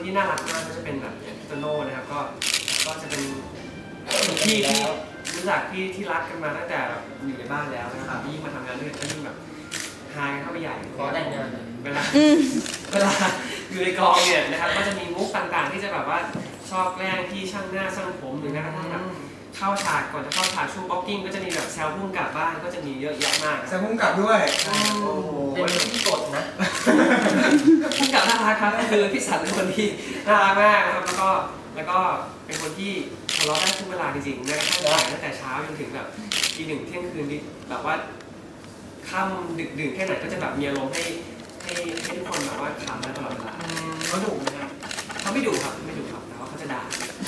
ที่น่ารักมากก็จะเป็นแบบอย่างพี่โตโน่นะครับก็จะเป็นพี่ที่รู้จักพี่ที่รักกันมาตั้งแต่อยู่ในบ้านแล้วนะครับยิ่งมาทำงานด้วยก็ยิ่งแบบหายเข้าไปใหญ่ขอแต่งงานเวลาอยู่ในกองเนี่ยนะครับก็จะมีมุกต่างๆที่จะแบบว่าชอบแกล้งพี่ช่างหน้าช่างผมหรือแม้กระทั่งแบบเข้าฉากก่อนจะเข้าฉากช่วงบ็อกกิ้งก็จะมีแบบแซวพุ่งกลับบ้านก็จะมีเยอะแยะมากแซวพุ่งกลับด้วยโอ้โหเป็นที่กดนะพุ่งกลับน่ารักครับคือพี่สันเป็นคนที่น่ารักมากนะครับแล้วก็เป็นคนที่ทะเลาะได้ทุกเวลาจริงๆแม้กระทั่งถ่ายตั้งแต่เช้าจนถึงแบบตี 1เที่ยงคืนแบบว่าค่ำดึกดื่นแค่ไหนก็จะแบบมีอารมณ์ให้ทุกคนแบบว่าขำได้ตลอดเวลาเขาดุไหมครับเขาไม่ดุครับแต่ว่าเขาจะด่า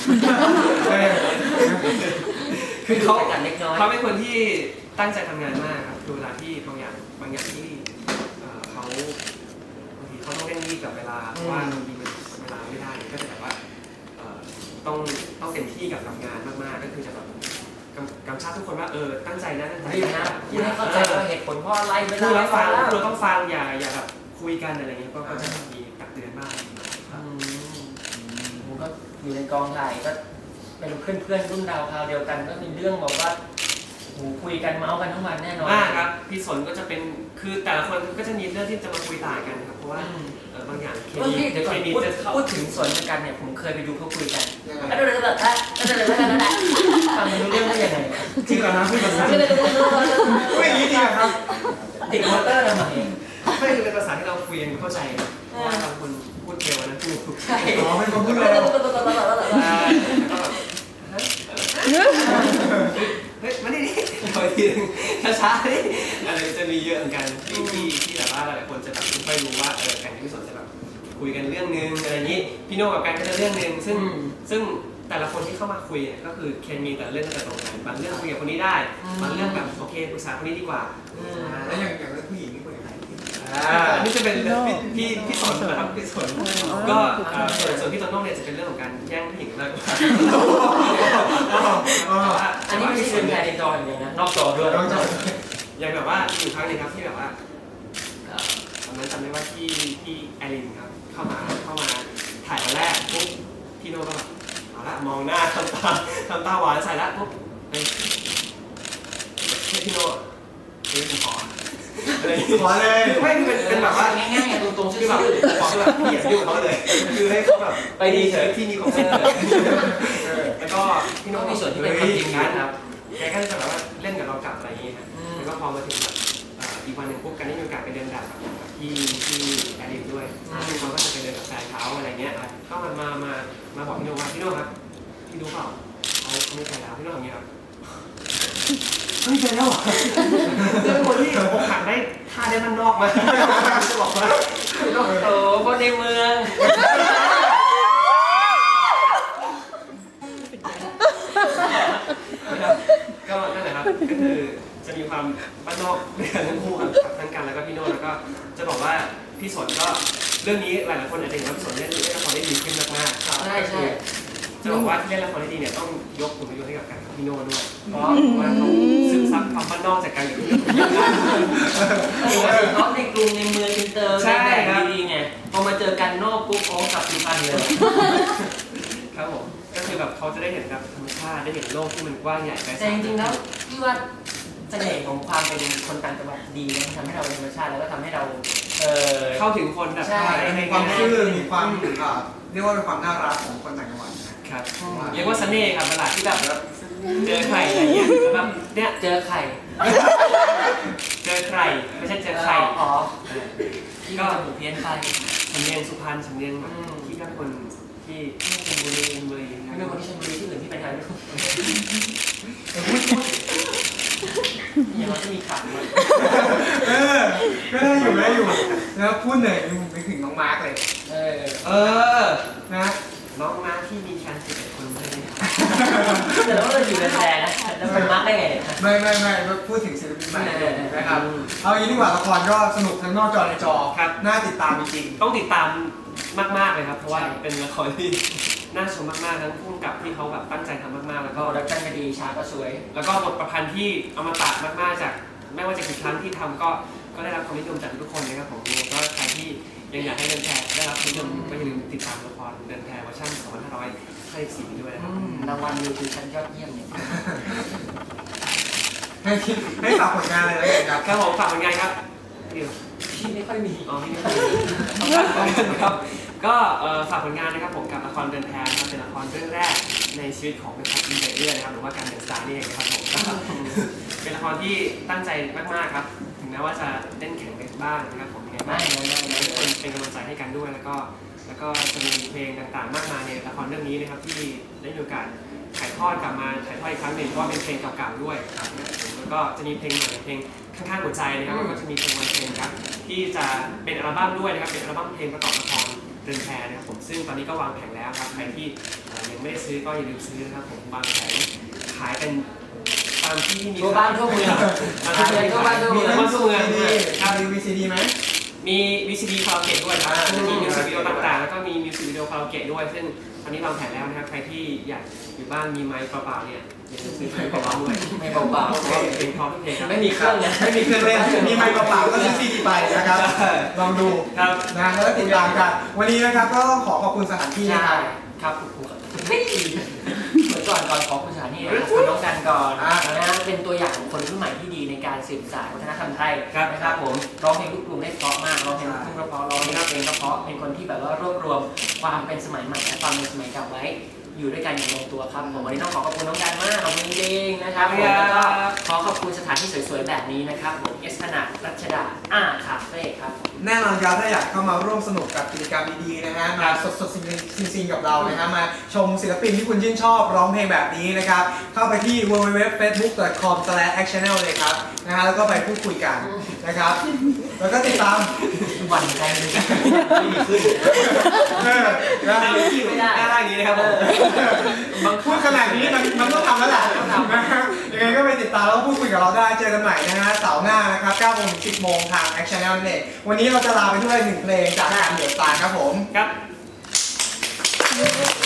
คือเขากันเล็กน้อยเขาเป็นคนที่ตั้งใจทำงานมากครับคือเวลาที่บางอย่างที่เขาบางทีเขาต้องเร่งรีบกับเวลาเพราะว่าบางทีมันเวลาไม่ได้ก็จะแบบว่าต้องเต็มที่กับงานมากๆก็คือจะแบบกำชับทุกคนว่าตั้งใจนะตั้งใจนะพูดให้เข้าใจว่าเหตุผลเพราะอะไรเวลาพูดแล้วฟังเราต้องฟังอย่าแบบคุยกันอะไรเงี้ยก็จะมีตักเตือนบ้างผมก็อยู่ในกองถ่ายก็เป็นเพื่อนรุ่นดาวคราวเดียวกันก็มีเรื่องบอกว่าคุยกันเมาส์กันทั้งวันแน่นอนครับพี่สนก็จะเป็นคือแต่ละคนก็จะมีเรื่องที่จะมาคุยต่างกันครับเพราะว่าบางอย่างเคมีเดี๋ยวก่อนพูดถึงสนกันเนี่ยผมเคยไปดูเขาคุยกันฟังไม่รู้เรื่องได้ยังไงจริงเหรอครับพี่ภาษาไม่อย่างนี้จริงครับติดมอเตอร์ทำไมไม่คือเป็นภาษาที่เราคุยกันเข้าใจเพราะว่าบางคนพูดเร็วนะพูดใช่เป็นคนพูดเร็วเฮ้ยมาดิถอยทีนึงช้าๆนี่อะไรจะมีเยอะเหมือนกันที่แบบว่าหลายคนจะแบบไม่รู้ว่าการที่พี่สนจะแบบคุยกันเรื่องนึงอะไรนี้พี่โน่กับการก็จะเรื่องนึงซึ่งแต่ละคนที่เข้ามาคุยเนี่ยก็คือเคมีแต่เรื่องจะตรงกันบางเรื่องคุยกับคนนี้ได้บางเรื่องแบบโอเคปรึกษาคนนี้ดีกว่าแล้วอย่างเรื่องผู้หญิงนี่คุยกับใครนี่จะเป็นพี่สนนะครับพี่สนก็ส่วนพี่โตโน่เนี่ยจะเป็นเรื่องของการแย่งผู้หญิงมากกว่าอันนี้ไม่ใช่เป็นการในจออย่างเดียวนะนอกจอด้วยอย่างแบบว่าอยู่ครั้งนึงครับที่แบบว่าตอนนั้นจำได้ว่าที่แอลินครับเข้ามาถ่ายวันแรกปุ๊บพี่โน่ก็แบบเอาละมองหน้าทำตาหวานใส่ละปุ๊บพี่โน่ผมขอเลยไม่เป็นแบบว่าง่ายๆตรงๆคือแบบบอกแบบพี่อย่ายุ่งเขาเลยคือให้เขาแบบไปดีเฉยที่มีความสุขแล้วก็พี่โน่มีส่วนที่เป็นความจริงนะครับแกก็จะแบบว่าเล่นกับเรากลับอะไรอย่างนี้ครับแล้วก็พอมาถึงแบบอีกวันหนึ่งปุ๊บกันได้มีโอกาสไปเดินแบบที่แอรินด้วยเขาก็จะไปเดินกับแฟนเขาอะไรเงี้ยก็มาบอกพี่โน่ว่าพี่โน่ครับพี่รู้เปล่าเขาไม่ใช่แล้วพี่โน่ทำอย่างนี้ครับไม่ใช่แล้วเป็นคนที่อกหักได้ท่าได้มันนอกมาจะบอกว่าคนในเมืองก็นั่นแหละครับก็คือจะมีความบ้านนอกด้วยกันทั้งคู่ครับทั้งกันแล้วก็พี่โน่แล้วก็จะบอกว่าพี่สนก็เรื่องนี้หลายๆคนอาจจะเห็นว่าพี่สนเล่นละครได้ดีขึ้นมากๆใช่จะบอกว่าที่เล่นละครได้ดีเนี่ยต้องยกผลประโยชน์ให้กับการพี่โน่ด้วยเพราะว่าเขาซึมซับความบ้านนอกจากการอยู่เขาในกรุงในเมืองอินเตอร์แบบดีๆไงพอมาเจอกันนอกปุ๊บโอ้กลับสุพรรณเลยครับผมก็คือแบบเขาจะได้เห็นแบบธรรมชาติได้เห็นโลกที่มันกว้างใหญ่ไกลแต่จริงๆแล้วพี่ว่าเสน่ห์ของความเป็นคนต่างจังหวัดดีนะทำให้เราเป็นธรรมชาติแล้วก็ทำให้เราเข้าถึงคนแบบมีความซื่อมีความเรียกว่าเป็นความน่ารักของคนต่างจังหวัดนะครับเรียกว่าเสน่ห์ครับเวลาที่แบบเจอใครอะไรเงี้ยแบบเนี่ยเจอใครไม่ใช่เจอใครอ๋อก็ถูกเพี้ยนไปสำเนียงสุพรรณสำเนียงแบบที่เป็นคนที่ชลบุรีไม่เป็นคนที่ชลบุรีที่อื่นที่เป็นไทยไม่รู้ยังจะมีขันเลยก็ได้อยู่แล้วพูดเลยนึกถึงน้องมาร์กเลยนะน้องมาร์กที่มีแฟน11 คนใช่ไหมแต่แล้วเราอยู่ในแพร่นะแล้วมันมาร์กได้ไงไม่พูดถึงศิลปินใหม่นะครับเอาอย่างนี้ดีกว่าละครก็สนุกทั้งนอกจอในจอน่าติดตามจริงต้องติดตามมากๆเลยครับเพราะว่าเป็นละครที่น่าชมมากๆทั้งผู้กำกับที่เขาแบบตั้งใจทำมากๆแล้วก็รักกันก็ดีฉากก็สวยแล้วก็บทประพันธ์ที่เอามาตัดมากๆจากไม่ว่าจะกี่ครั้งที่ทำก็ได้รับความนิยมจากทุกคนนะครับผมก็ใครที่ยังอยากให้แฟนได้รับความนิยมก็อย่าลืมติดตามละครเดิ 2024นี้ด้วยนะครับรางวัลนิวทริชั่นยอดเยี่ยมเนี่ยให้ฝากผลงานเลยแล้วกันครับครับผมฝากผลงานครับดิวพี่ไม่ค่อยมีอ๋อพี่ไม่ครับก็ฝากผลงานนะครับผมกับละครเดินแพนะครับเป็นละครเรื่องแรกในชีวิตของเป็นพักอินเตอร์นะครับหรือว่าการเดินสายนี่เองนะครับผมก็เป็นละครที่ตั้งใจมากๆครับถึงแม้ว่าจะเล่นแข่งกันบ้างนะครับผมยังไงบ้างทุกคนเป็นกำลังใจให้กันด้วยแล้วก็จะมีเพลงต่างๆมากมายในละครเรื่องนี้นะครับที่ได้มีโอกาสถ่ายทอดกลับมาถ่ายทอดอีกครั้งหนึ่งเพราะว่าเป็นเพลงเก่าๆด้วยครับแล้วก็จะมีเพลงใหม่เพลงข้างๆหัวใจนะครับแล้วก็จะมีเพลงวันเพลงครับที่จะเป็นอัลบั้มด้วยนะครับเป็นอัลบั้มเพลงประกอบละครเดินแพนะครับผมซึ่งตอนนี้ก็วางแผงแล้วครับใครที่ยังไม่ได้ซื้อก็อย่าลืมซื้อนะครับผมวางแผงขายเป็นตามที่มีทั่วบ้านทั่วเมือง ทั่วบ้านทั่วเมืมีองทั้งทั่วเมืองซีดีครับมีวีซีดีไหมมีวิซีดีคาราโอเกะด้วยครับอ่าจะมีมิวสิกวิดีโอต่างๆแล้วก็มีมิวสิกวิดีโอคาราโอเกะด้วยซึ่งตอนนี้วางแผนแล้วนะครับใครที่อยากอยู่บ้านมีไมค์เปล่าๆเนี่ยอย่าลืมซื้อไมค์เปล่าๆด้วยไม่เบาเพราะว่าเพลงพร้อมทุกเพลงครับๆไม่มีเครื่องเลยไม่มีเครื่องเล่นมีไมค์เปล่าๆก็ซื้อซีดีไปนะครับ ลองดูครับนะแล้วก็ติดตามกัน วันนี้นะครับก็ขอขอบคุณสถานที่นะใช่ครับครับคุณครูครับเหมือนก่อนขอคุณสถานีนะครับคุณน้องกันก่อนนะฮะเป็นตัวอย่างของคนรุ่นใหม่ที่ดีในการสืบสานวัฒนธรรมไทยนะครับผมร้องเพลงลูกกรุงได้เพราะมากร้องเพลงลูกทุ่งก็เพราะร้องเพลงก็เพราะเป็นคนที่แบบว่ารวบรวมความเป็นสมัยใหม่และความเป็นสมัยเก่าไว้อยู่ด้วยกันอย่างลงตัวครับผมวันนี้ต้องขอบคุณน้องกันมากขอบคุณจริงๆนะครับผมแล้วก็ขอขอบคุณสถานที่สวยๆแบบนี้นะครับผมเอสพนาดรัชดาคาเฟ่ครับแน่นอนครับถ้าอยากเข้ามาร่วมสนุกกับกิจกรรมดีๆนะฮะมาสดๆซิงๆกับเรานะฮะมาชมศิลปินที่คุณชื่นชอบร้องเพลงแบบนี้นะครับเข้าไปที่ www.facebook.com/actionel เลยครับนะฮะแล้วก็ไปพูดคุยกันนะครับแล้วก็ติดตามหวั่นใจเลยไม่มีขึ้นนะไม่ได้ด้านล่างนี้นะครับผมบางพูดขนาดนี้มันต้องทำแล้วแหละนะฮะยังไงก็ไปติดตามแล้วพูดคุยกับเราได้เจอกันใหม่นะฮะเสาร์หน้านะครับ9 โมงถึง 10 โมงทาง actionel นั่นเองวันนี้เราจะลาไปด้วย1 เพลงจากทางเดือดตาครับผมครับ